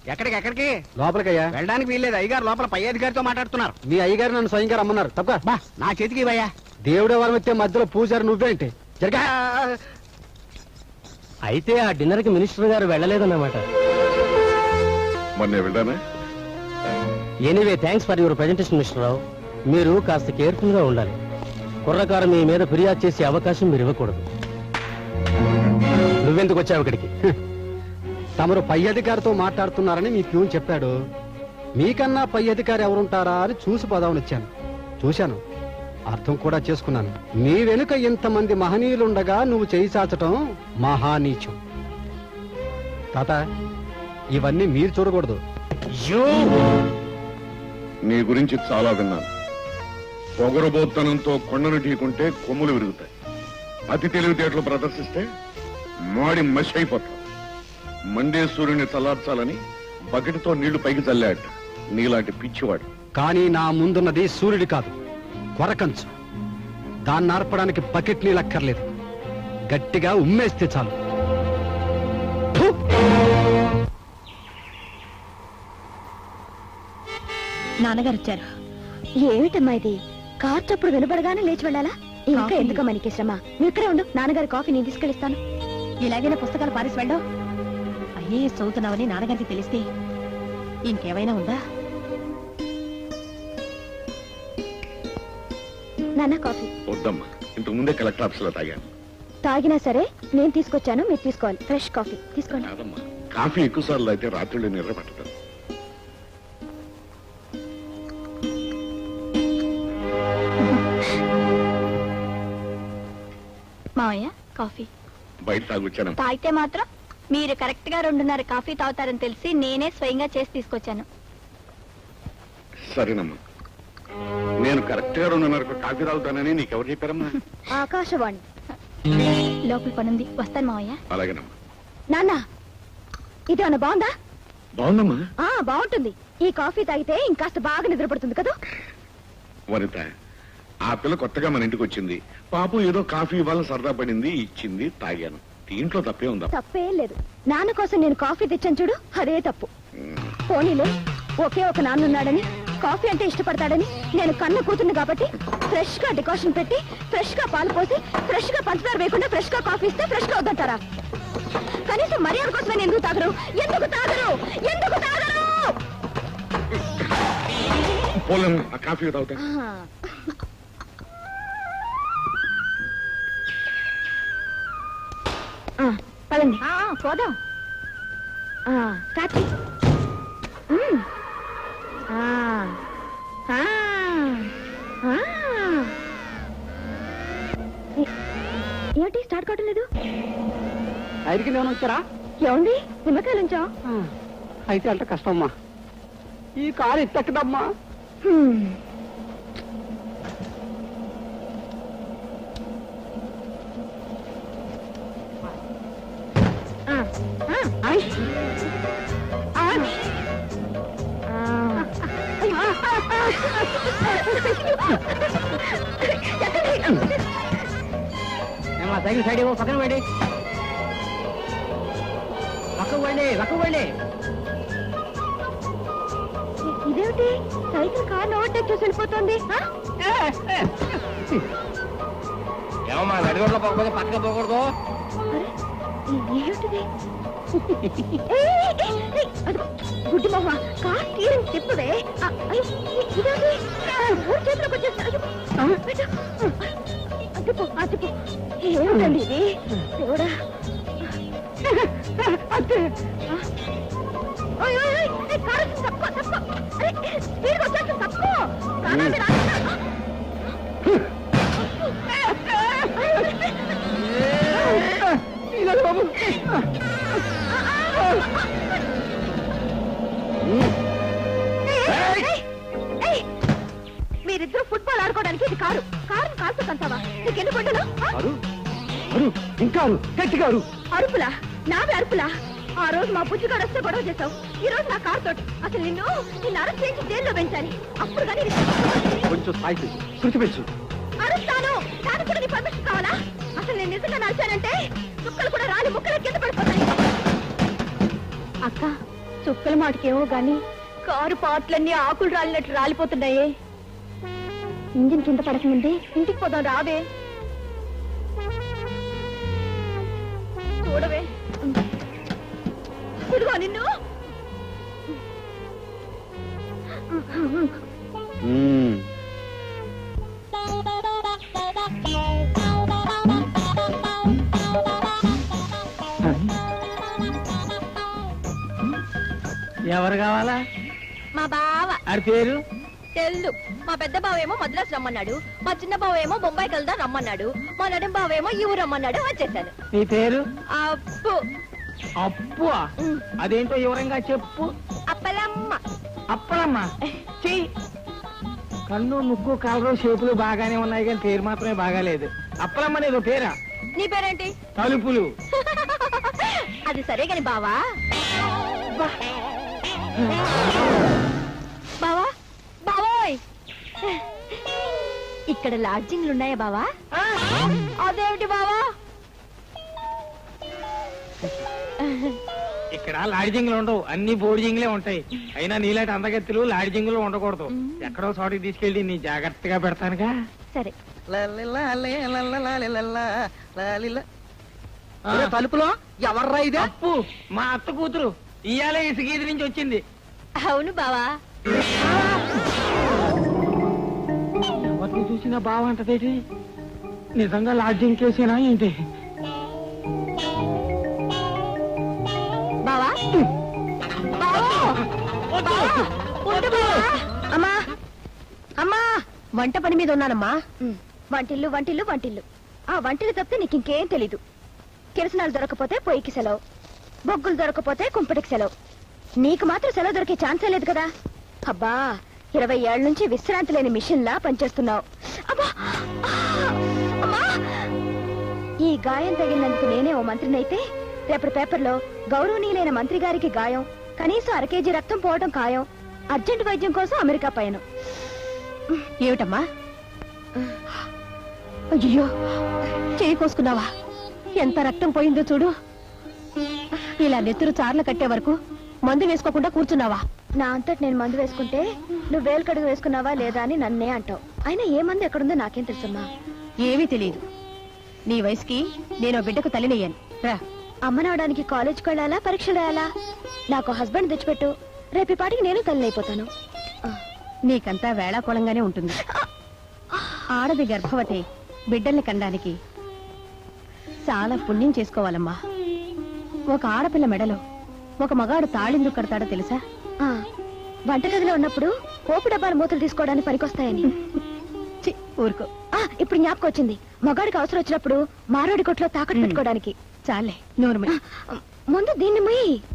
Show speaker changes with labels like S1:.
S1: ఎక్కడికి ఎక్కడికి?
S2: లోపలికయ్యా.
S1: వెళ్ళడానికి వీల్లేదు, అయ్యగారు లోపల పై అధికారితో మాట్లాడుతున్నారు.
S2: మీ అయ్యగారు నన్ను స్వయంగా రమ్మన్నారు. తప్ప
S1: బా నా చేతికి ఇవ్వయ్యా.
S2: దేవుడే వరం వచ్చే మధ్యలో పూజారు నువ్వేంటి? జరగా.
S3: అయితే ఆ డిన్నర్ కి మినిస్టర్ గారు వెళ్ళలేదన్నమాట. Anyway thanks for your presentation mister Rao. మీరు కాస్త కేర్ఫుల్ గా ఉండాలి. కుర్రకారు మీ మీద ఫిర్యాదు చేసే అవకాశం మీరు ఇవ్వకూడదు. నువ్వెందుకు వచ్చావు ఇక్కడికి?
S2: తమరు పై అధికారితో మాట్లాడుతున్నారని మీ ప్యూన్ చెప్పాడు. మీకన్నా పై అధికారి ఎవరుంటారా అని చూసి పదావని వచ్చాను. చూశాను, అర్థం కూడా చేసుకున్నాను. నీ వెనుక ఇంతమంది మహనీయులుండగా నువ్వు చేయి చాచటం మహానీచం. తాత, ఇవన్నీ మీరు చూడకూడదు.
S4: నీ గురించి చాలా విన్నాను. పొగరబోత్తనంతో కొండను ఢీకుంటే కొమ్ములు విరుగుతాయి. అతి తెలివితేటలు ప్రదర్శిస్తే మాడి మషి అయిపోతావు. మండే సూర్యుని చల్లార్చాలని బకెట్తో నీళ్లు పైకి చల్లాట నీలాంటి పిచ్చివాడు.
S2: కానీ నా ముందున్నది సూర్యుడి కాదు, కొరకంచు. దాన్ని ఆర్పడానికి బకెట్ నీళ్ళక్కర్లేదు, గట్టిగా ఉమ్మేస్తే చాలు.
S5: నాన్నగారు వచ్చారు. ఏమిటమ్మా ఇది? కార్ చప్పుడు వినబడగానే లేచి వెళ్ళాలా? ఇంకా ఎందుకు మనకి శ్రమ? నువ్వు ఇక్కడే ఉండు, నాన్నగారి కాఫీ నేను తీసుకెళ్ళిస్తాను. ఇలాగైనా పుస్తకాలు పారేసి వెళ్ళావు. ఐఏఎస్ చదువుతున్నావని నాన్నగారికి తెలిస్తే ఇంకేమైనా ఉందా? నాన్న కాఫీ.
S4: వద్దమ్మా, ఇంతకు ముందే కలెక్టర్ ఆఫీస్ లో తాగాను.
S5: తాగినా సరే నేను తీసుకొచ్చాను, మీరు తీసుకోవాలి. ఫ్రెష్ కాఫీ తీసుకోండి.
S4: కాదమ్మా, కాఫీ ఎక్కువ సార్లు అయితే రాత్రులు నిద్ర పట్టదు.
S5: మావయ్య కాఫీ.
S4: బయట తాగొచ్చాను.
S5: తాగితే మాత్రం మీరు కరెక్ట్ గా 2:30 కాఫీ తాగుతారని తెలిసి నేనే స్వయంగా చేసి తీసుకొచ్చాను.
S4: సరేనమ్మా, నేను కరెక్ట్ గా 2:30 కాఫీ తాగుతానని నీకెవరు చెప్పారమ్మా?
S5: ఆకాశవాణి. లోపల పనుంది, వస్తాను మావయ్య.
S4: అలాగేనమ్మా.
S5: నాన్న, ఇది ఏమన్నా బాగుందా?
S4: బాగుందమ్మా.
S5: బాగుంటుంది. ఈ కాఫీ తాగితే ఇంకాస్త బాగా నిద్రపడుతుంది కదా.
S4: వనిత, ఆ పిల్ల కొత్తగా మన ఇంటికి వచ్చింది. పాపం ఏదో కాఫీ ఇవ్వాలని సరదా పడింది, ఇచ్చింది, తాగాను. దీంట్లో తప్పే ఉందా?
S5: తప్పేం లేదు. నాన్న కోసం నేను కాఫీ తెచ్చాను చూడు, అదే తప్పు. పోనీలే, ఒకే ఒక నాన్నున్నాడని, కాఫీ అంటే ఇష్టపడతాడని నేను కన్న కూతుర్ని కాబట్టి ఫ్రెష్ గా డికాషన్ పెట్టి, ఫ్రెష్ గా పాలు పోసి, ఫ్రెష్ గా పంచదార వేయకుండా ఫ్రెష్ గా కాఫీ ఇస్తే ఫ్రెష్ గా వద్దంటారా? కనీసం మర్యాద కోసమే ఎందుకు తాగరు? ఎందుకు తాగరు? ఎందుకు తాగరు?
S4: పోలేము, ఆ కాఫీ తాగుతా.
S5: పదండి పోదాం. కాచి ఏమిటి స్టార్ట్ కావటం లేదు?
S2: ఐదుకి నేను వచ్చారా?
S5: ఏమండి నిమ్మకాయలు ఉంచా?
S2: అయితే అంటే కష్టమ్మా, ఈ కారు ఎత్తక్కదమ్మా.
S1: సైకిల్ సైడ్ పక్కన పోండి, పక్కకు పోండి, పక్కకు పోండి.
S5: ఇదేమిటి సైకిల్ కార్ ఓవర్టేక్ చేసి వెళ్ళిపోతుంది?
S1: ఏమమ్మా నడిగొడ్లో పోకపోతే పక్కన పోకూడదు.
S5: ఏమిటిది? గుడ్డి మొహ, కార్ స్టీరింగ్ తిప్పుదే. ఇదేంటి ఊరి చేతిలోకి వచ్చేసి అతిపు. ఏమిటండి ఇది? దేవుడా, కారు తక్కువ స్పీడ్ వచ్చేస్తుంది, తక్కువ.
S2: బాబు,
S5: మీరిద్దరు ఫుట్బాల్ ఆడుకోవడానికి ఇది కారు. కారుని కాల్తో కంటావా? నీకెన్ని పండులు?
S2: ఇంకా గట్టిగా
S5: అరుపులా? నావే అరుపులా? ఆ రోజు మా బుజ్జిగాడు వస్తే గొడవ చేశావు, ఈ రోజు నా కారు తోటి. అసలు నిన్ను అరెస్ట్ చేసి జైల్లో పెంచాలి. అప్పుడు కానీ
S2: కొంచెం స్థాయి శృతి పెంచు.
S5: అరుస్తాను, దానికి కూడా నీ పర్మిషన్ కావాలా? అసలు నేను నిజంగా నడిచానంటే చుక్కలు కూడా రాలి ముక్కలు కింద పడిపోతాయి. అక్క చుక్కల మాటకేమో గాని కారు పాటలన్నీ ఆకులు రాలినట్టు రాలిపోతున్నాయే. ఇంజిన్ కింద పడకముందే ఇంటికి పోదాం రావే. చూడవే ఇదిగో నిన్ను.
S3: ఎవరు కావాలా?
S5: మా బావ.
S3: ఆడి పేరు?
S5: తెల్లు. మా పెద్ద బావేమో మద్రాసు రమ్మన్నాడు, మా చిన్న బావేమో బొంబాయికి వెళ్దాం రమ్మన్నాడు, మా నడుం బావేమో ఈ ఊరు రమ్మన్నాడు. వచ్చేసాను.
S3: నీ పేరు?
S5: అప్పు.
S3: అప్పు? అదేంటో వివరంగా చెప్పు.
S5: అప్పలమ్మ.
S3: అప్పలమ్మ? కన్ను ముక్కు కలరు షేపులు బాగానే ఉన్నాయి కానీ పేరు మాత్రమే బాగాలేదు. అప్పలమ్మ అనేది పేరా?
S5: నీ పేరేంటి?
S3: తలుపులు.
S5: అది సరే గాని బావా. బావా బావోయ్, ఇక్కడ లాడ్జింగ్లు ఉన్నాయా బావా? అదేమిటి బావా?
S3: ఇక్కడ లాడ్జింగ్లు ఉండవు, అన్ని బోర్డింగ్లే ఉంటాయి. అయినా నీలాంటి అందగత్తులు లాడ్జింగ్లు ఉండకూడదు. ఎక్కడో చోటికి తీసుకెళ్ళి నీ జాగ్రత్తగా పెడతానుగా.
S5: సరే.
S3: తలుపులో ఎవర్రా ఇది? అప్పు, మా అత్త కూతురు. ఇయాలే ఇసుగీది నుంచి వచ్చింది.
S5: అవును బావా.
S3: ఎవరిని చూసినా బావంటదేటి? నిజంగా లాడ్జింగ్ కేసేనా ఏంటి?
S5: బావా అమ్మా అమ్మా, వంట పని మీద ఉన్నానమ్మా. వంటిల్లు వంటిల్లు వంటిల్లు. ఆ వంటిల్లు తప్పితే నీకు ఇంకేం తెలీదు. కిరసనాలు దొరకపోతే పొయ్యికి సెలవు, బొగ్గులు దొరకపోతే కుంపటికి సెలవు. నీకు మాత్రం సెలవు దొరికే ఛాన్సే లేదు కదా. అబ్బా, 20 ఏళ్ల నుంచి విశ్రాంతి లేని మిషన్ లా పనిచేస్తున్నావు. అబ్బా, అమ్మా! ఈ గాయం తగిలినందుకు నేనే ఓ మంత్రినైతే రేపటి పేపర్లో గౌరవనీయులైన మంత్రి గారికి గాయం, కనీసం 1 కేజీ రక్తం పోవడం ఖాయం, అర్జెంట్ వైద్యం కోసం అమెరికా పయనం. ఏమిటమ్మా? అయ్యో, చేయి కోసుకున్నావా? ఎంత రక్తం పోయిందో చూడు. ఇలా నెత్తురు చార్లు కట్టే వరకు మందు వేసుకోకుండా కూర్చున్నావా? నా అంతటి నేను మందు వేసుకుంటే నువ్వు వేలు కడుగు వేసుకున్నావా లేదా అని నన్నే అంటావు. అయినా ఏ మందు ఎక్కడుందో నాకేం తెలుసమ్మా? ఏమీ తెలియదు. నీ వయసుకి నేను బిడ్డకు తల్లినయ్యాను. రా. అమ్మనవడానికి కాలేజ్కి వెళ్ళాలా, పరీక్షలు రాయాలా? నాకు హస్బెండ్ తెచ్చిపెట్టు, రేపు పాటికి నేను తల్లినైపోతాను. నీకంతా వేళాకోళంగానే ఉంటుంది. ఆడది గర్భవతి బిడ్డల్ని కనడానికి చాలా పుణ్యం చేసుకోవాలమ్మా. ఒక ఆడపిల్ల మెడలో ఒక మగాడు తాళెందుకు కడతాడో తెలుసా? వంటగదిలో ఉన్నప్పుడు పోపు డబ్బాల మూతలు తీసుకోవడానికి పనికొస్తాయని. ఊరుకో. ఇప్పుడు జ్ఞాపకం వచ్చింది, మగాడికి అవసరం వచ్చినప్పుడు మారోడి కొట్లో తాకట్టు పెట్టుకోవడానికి. చాలే, నోరు ముందు దీన్ని మొయ్యి.